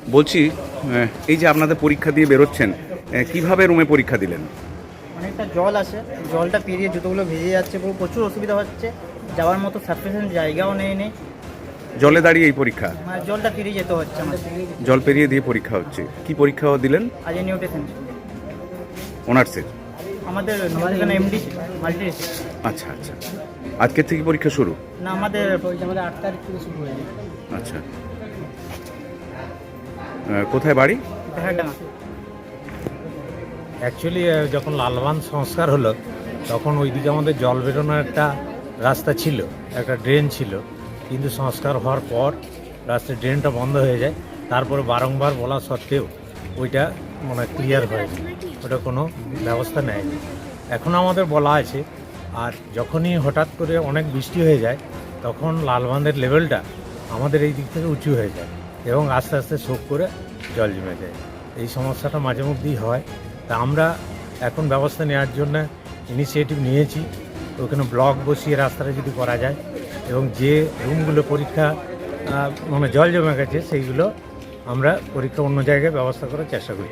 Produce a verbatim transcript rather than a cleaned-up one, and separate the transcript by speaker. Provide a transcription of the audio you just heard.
Speaker 1: বলছি এই যে আপনাদের পরীক্ষা দিয়ে বেরোচ্ছেন, কিভাবে রুমে পরীক্ষা দিলেন?
Speaker 2: অনেকটা জল আছে, জলটা পেরিয়ে জুতোগুলো ভিজে যাচ্ছে, পুরো প্রচুর অসুবিধা হচ্ছে, যাওয়ার মতো সাফিসিয়েন্ট জায়গাও নেই নেই
Speaker 1: জলে দাঁড়িয়ে এই পরীক্ষা?
Speaker 2: মানে জলটা পেরিয়ে যেতে হচ্ছে আমাদের।
Speaker 1: জল পেরিয়ে দিয়ে পরীক্ষা হচ্ছে। কি পরীক্ষা দিলেন?
Speaker 2: আজ নিউট্রিশন
Speaker 1: অনার্সের?
Speaker 2: আমাদের নিউট্রিশন এমডি মাল্টি।
Speaker 1: আচ্ছা আচ্ছা, আজকের থেকে পরীক্ষা শুরু?
Speaker 2: না, আমাদের আমাদের আট তারিখ থেকে শুরু হয়ে যায়।
Speaker 1: আচ্ছা, কোথায় বাড়ি?
Speaker 2: দেহারডাঙ্গা।
Speaker 3: অ্যাকচুয়ালি যখন লালবান সংস্কার হলো তখন ওইদিকে আমাদের জল বেরোনোর একটা রাস্তা ছিল, একটা ড্রেন ছিল, কিন্তু সংস্কার হওয়ার পর রাস্তার ড্রেনটা বন্ধ হয়ে যায়। তারপরে বারংবার বলা সত্ত্বেও ওইটা মানে ক্লিয়ার হয়নি, ওটা কোনো ব্যবস্থা নেয়নি। এখন আমাদের বলা আছে, আর যখনই হঠাৎ করে অনেক বৃষ্টি হয়ে যায় তখন লালবাঁধের লেভেলটা আমাদের এই দিক থেকে উঁচু হয়ে যায় এবং আস্তে আস্তে শোক করে জল জমে যায়। এই সমস্যাটা মাঝে মধ্যেই হয়। তা আমরা এখন ব্যবস্থা নেওয়ার জন্য ইনিশিয়েটিভ নিয়েছি, ওখানে ব্লক বসিয়ে রাস্তাটা যদি করা যায় এবং যে রুমগুলো পরীক্ষা মানে জল জমে গেছে সেইগুলো আমরা পরীক্ষা অন্য জায়গায় ব্যবস্থা করার চেষ্টা করি।